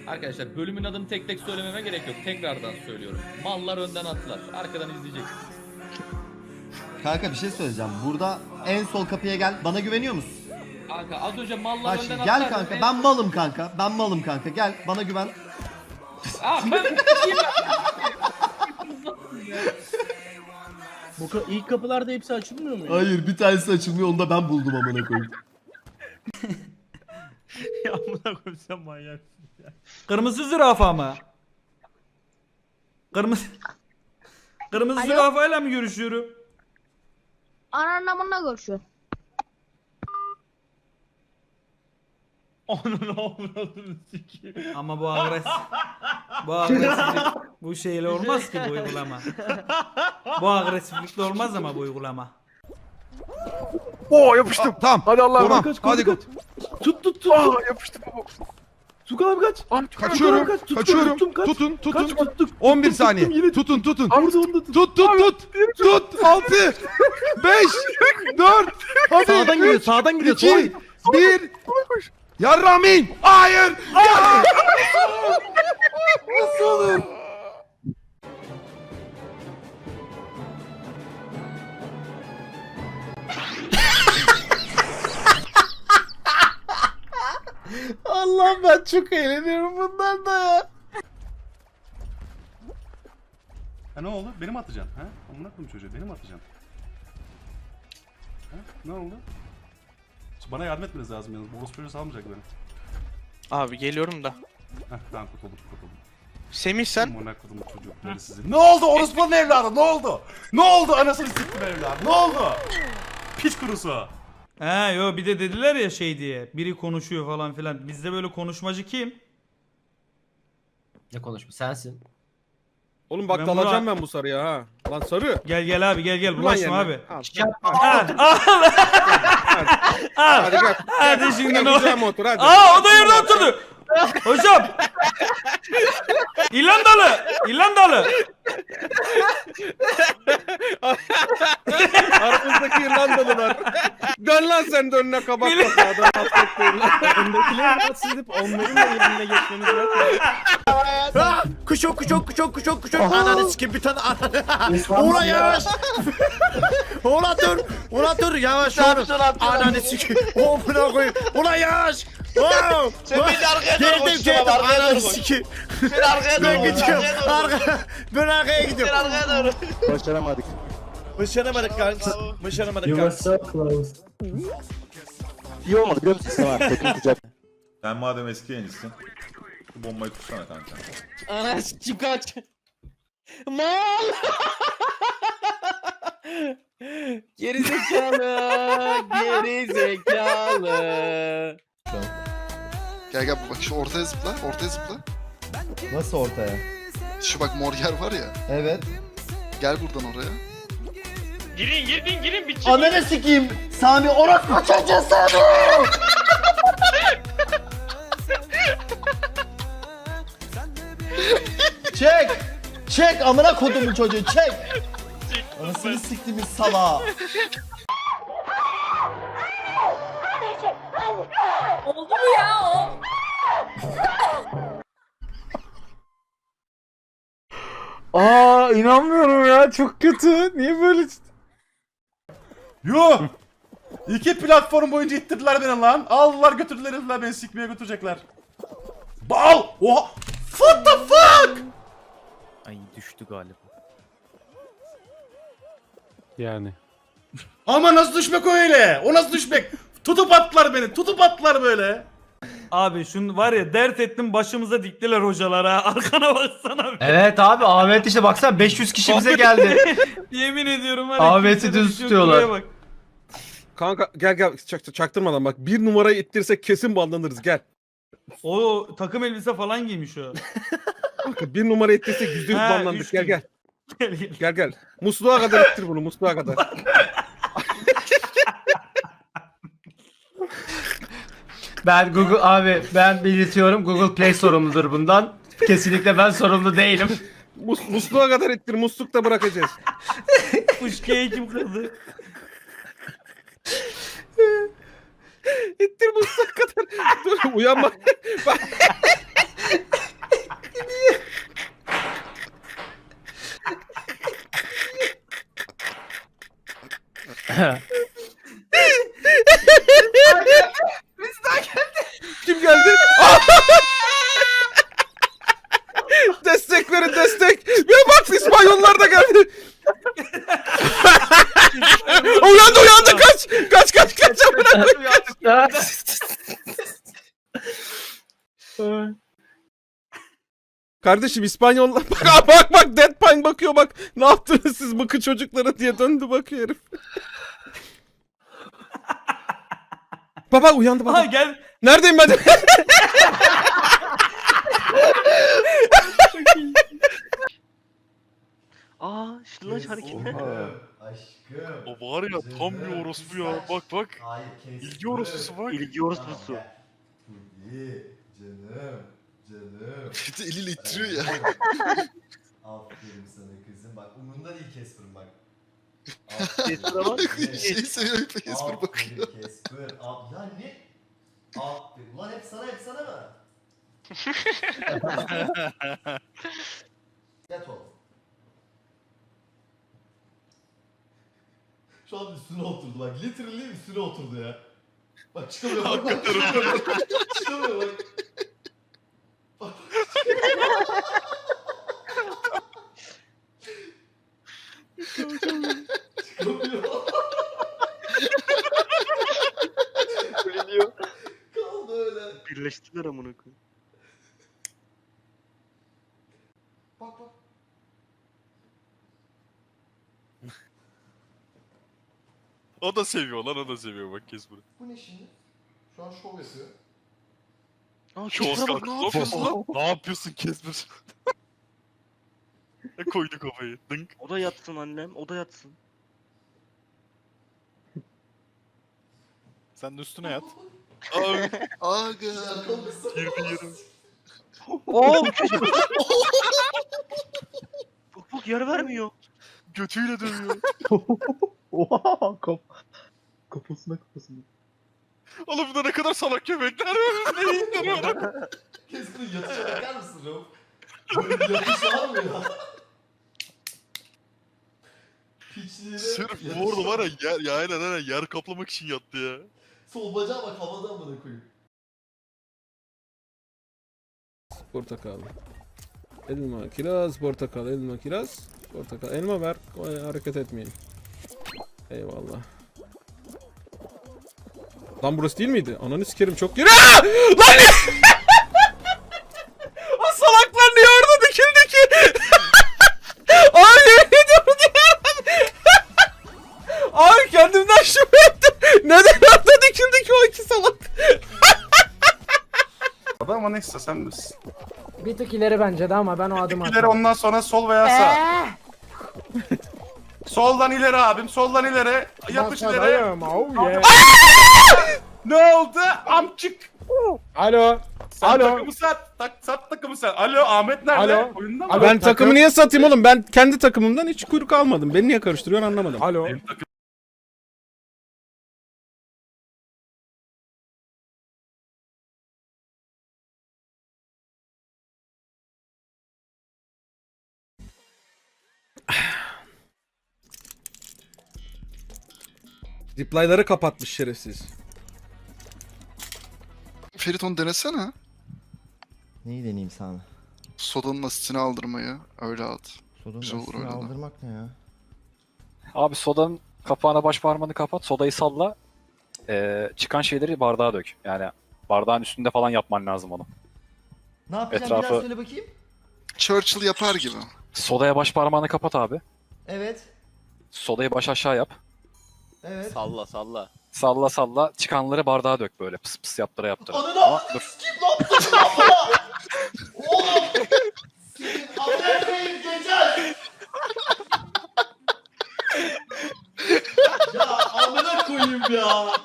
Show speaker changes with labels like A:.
A: Arkadaşlar bölümün adını tek tek söylememe gerek yok. Tekrardan söylüyorum. Mallar önden atlar. Arkadan izleyeceksiniz.
B: Kanka bir şey söyleyeceğim. Burada en sol kapıya gel. Bana güveniyor musun?
A: Kanka az önce mallar
B: Bak
A: önden
B: şimdi
A: atlar.
B: gel kanka. Ben malım kanka. Ben malım kanka. Gel bana güven.
A: Ben
C: İlk kapılarda hepsi açılmıyor mu?
B: Hayır bir tanesi açılmıyor. Onu da ben buldum amına koyayım.
D: Ya amına koyayım sen manyaksın ya. Kırmızı zürafa mı? Kırmızı
E: Alo?
D: zürafayla mı görüşüyorum?
E: Anlamına görüşüyor.
D: Onun avradını sikeyim.
F: Ama bu agresiflik bu şeyle olmaz ki bu uygulama. Bu agresiflikle olmaz ama bu uygulama.
G: Oo yapıştım.
H: Tamam.
G: Hadi Allah'ım.
H: Tamam.
G: Kaç,
H: Hadi
G: kaç. Tut tut tut. Aa yapıştım baba. Tukan abi kaç.
H: Kaçıyorum.
G: Tukan abi, kaç.
H: Kaçıyorum.
G: Tuttum, kaç.
H: Tutun, tutun.
G: Kaç tuttuk.
H: 11
G: Tuttum,
H: saniye.
G: tuttum, yine
H: Tutun, tutun.
G: Abi onu da tut.
H: Tut, tut, tut. Tut. 6 5 4 Hadi.
C: Sağdan gidiyor, sağdan gidiyor.
H: 2 1 Yarramin. Hayır. Ya. Nasıl olur?
C: Allah'ım ben çok eğleniyorum bundan da ya.
I: Ha ne oldu? Beni mi atacaksın? Ha? Amına koyayım çocuğu. Beni mi atacaksın? Ha? Ne oldu? Bana yardım etmeniz lazım yalnız. Boros çocuğu salmayacak beni.
J: Abi geliyorum da.
I: Heh tamam kurtuldum.
J: Semih sen
I: Amına koydum çocukları sizi. Ne oldu orospunun evladı? Ne oldu? Ne oldu anasını siktim evladı? Ne oldu? Piç kurusu.
F: He yo bir de dediler ya şey diye. Biri konuşuyor falan filan. Bizde böyle konuşmacı kim?
C: Ne konuşma sensin.
G: Oğlum bak
F: Ben
G: dalacağım
F: buna-
G: ben bu sarıya ha. Lan sarı.
F: Gel abi gel
G: Ulan
F: bulaşma
G: yerine.
F: abi.
G: Al,
F: Hadi
G: Hadi gel.
F: Hadi şimdi
G: Gel
F: ne
G: kucağıma otur hadi.
F: Aa o da yerine oturdu. Hocam. İrlandalı.
G: Aramızdaki İrlandalılar. Dön lan sen de önüne kabak kapağı.
C: Öndekileri rahatsız edip onların da yerine geçmemiz lazım.
K: Kuşok. Ananı sikim bir tane ananı. Ulan yavaş. Ulan dur yavaş oğlum. Ananı sikim. Oh buna koyayım. Ulan yavaş. Oh.
J: Sen beni arkaya doğru koş,
K: Geldim
J: tamam, arkaya
K: ananı
J: doğru koş.
K: sikim.
J: Sen arkaya
K: Ben
J: doğru koş,
K: gidiyorum.
J: arkaya doğru koş.
K: Ben arkaya gidiyorum.
J: Sen arkaya doğru.
K: Başaramadık kanka. Başaramadık kanka.
G: İyi olmadı biliyor musun sana? Teknik kucak.
H: Sen madem eski yayıncısın. Bu bombayı tutsana kanka.
C: Ana sikim kaç. Mal. Gerizekalı.
K: Gel bak şu ortaya zıpla.
B: Nasıl ortaya?
K: Şu bak mor yer var ya.
B: Evet.
K: Gel buradan oraya.
J: Girin bir çık.
B: Ananı sikeyim. Sami orospu çocuğu Sami. Çek amına kodumun çocuğu çek. Anasını siktiğimiz salağı.
E: Oldu mu ya o?
C: Aa inanmıyorum ya çok kötü. Niye böyle?
I: Yuh! 2 platform boyunca ittirdiler beni lan. Aldılar götürdüler herifler beni sikmeye götürecekler. Bal! Oha! What the fuck?
C: Ay düştü galiba.
G: Yani.
I: Ama nasıl düşmek o öyle? O nasıl düşmek? Tutup attılar beni. Tutup attılar böyle.
F: Abi şunu var ya dert ettim başımıza diktiler hocalara. Arkana baksana.
C: Evet abi Ahmet işte baksana 500 kişi bize geldi.
F: Yemin ediyorum var ya.
C: Ahmet'i
F: kimsenin
C: düz
F: bir şey yok,
C: tutuyorlar.
F: buraya bak.
G: Kanka gel çaktırmadan bak. Bir numarayı ittirsek kesin banlanırız gel.
F: O takım elbise falan giymiş o.
G: Kanka bir numara ittirsek %100
F: Ha,
G: banlandık.
F: üç
G: Gel
F: gün.
G: gel. Gel. Musluğa kadar ittir bunu musluğa kadar.
C: Ben ben belirtiyorum Google Play sorumludur bundan. Kesinlikle ben sorumlu değilim.
G: Musluğa kadar ittir muslukta bırakacağız.
F: Fışkıya kim kırdı?
G: İttir musluğa kadar. Dur uyanma. Kim geldi? Destek verin destek. Ya bak İspanyollar da geldi. uyandı kaç. Amına koyayım. Kardeşim İspanyollar bak Deadpine bakıyor bak. Ne yaptınız siz bıkı çocuklara diye döndü bakıyor herif. Baba uyandı baba.
F: Ha gel.
G: Neredeyim ben?
J: Aa Şıllaç hareketi.
B: Aşkım.
J: O var ya tam bir orospu ya. Bak.
B: Hayır kes.
J: İlgi orospusu bak. İlgi orospusu.
B: İyi. Canım.
K: Eliyle ittiriyor ya.
B: Aferin sana kızım. Bak umurunda değil Casper'ın bak.
J: Casper'a bak.
K: Şeyi seviyor Casper bakıyor.
B: Aferin Casper. Ya ne? Aferin. Ulan hep sana mı? Yat oğlum. Şu an üstüne oturdu bak. Literally üstüne oturdu ya. Bak çıkamıyor bak. Çıkamıyor bak. Bak. Çıkamıyor.
J: Ölüyor.
B: Kaldı öyle.
J: Birleştiler amına koyayım.
B: Bak.
J: O da seviyor bak Casper'ı.
B: Bu ne şimdi? Şu an şov yapıyor.
J: Oscar ne yapıyorsun lan? Ne yapıyorsun Casper? Koydu kafayı. Dınk.
L: O da yatsın annem, o da yatsın.
J: Sen de üstüne yat.
K: Aga.
J: Girdi.
L: Oo! Bak yer vermiyor.
J: Götüyle dövüyor.
H: Oha kafasına.
J: Oğlum bu da ne kadar salak köpekler var. Ne indiriyor?
B: Casper'ın yatışa bakar mısın Rauf? Böyle yatış var mı ya? Piçliğine...
J: Sırf bu arada var ya aynen yer kaplamak için yattı ya.
B: Sol bacağı bak havada amına koyayım.
G: Portakal. Elma, kiraz, portakal, elma, kiraz, portakal. Elma ver, hareket etmeyin. Eyvallah. Lan burası değil miydi? Ananı sikerim çok geri. Lan ne? O salaklar niye orada dikildi ki? Ay yemin ediyorum diyorum. Ay kendimden şüphe ettim. Neden orada dikildi ki o iki salak?
I: Ama neyse sen misin?
C: Bir tık ileri bence de ama ben o adımı
I: İleri ondan sonra sol veya sağ. Soldan ileri abim, soldan ileri. Yapış ileri. Ne oldu? Amçık.
C: Alo.
I: Sen takımı sat. Sat takımı sen. Alo Ahmet nerede?
C: Alo.
I: Oyunda mı?
G: Ben takımı niye satayım oğlum? Ben kendi takımımdan hiç kuyruk almadım. Beni niye karıştırıyorsun anlamadım.
C: Alo.
I: Benim takım-
G: Reply'ları kapatmış şerefsiz.
K: Ferit onu denesene.
B: Neyi deneyeyim sana?
K: Sodanın asitini aldırmayı. Öyle at.
B: Sodanın
K: Güzel olur
B: asitini
K: öyle de.
B: aldırmak ne ya?
L: Abi sodanın kapağına baş parmağını kapat, sodayı salla. Çıkan şeyleri bardağa dök. Yani bardağın üstünde falan yapman lazım onu.
B: Ne yapacağım
L: Etrafı-
B: biraz söyle bakayım.
K: Churchill yapar gibi.
L: Sodaya baş parmağını kapat abi.
B: Evet.
L: Sodayı baş aşağı yap.
B: Evet.
J: Salla.
L: Salla salla. Çıkanları bardağa dök böyle. Pıs pıs yaptıra yaptıra.
B: Ananı
L: Ama dur.
B: kim ne yaptın lan bana? Oğlum! Senin Amerika'yı geçer! Ya amına koyayım ya!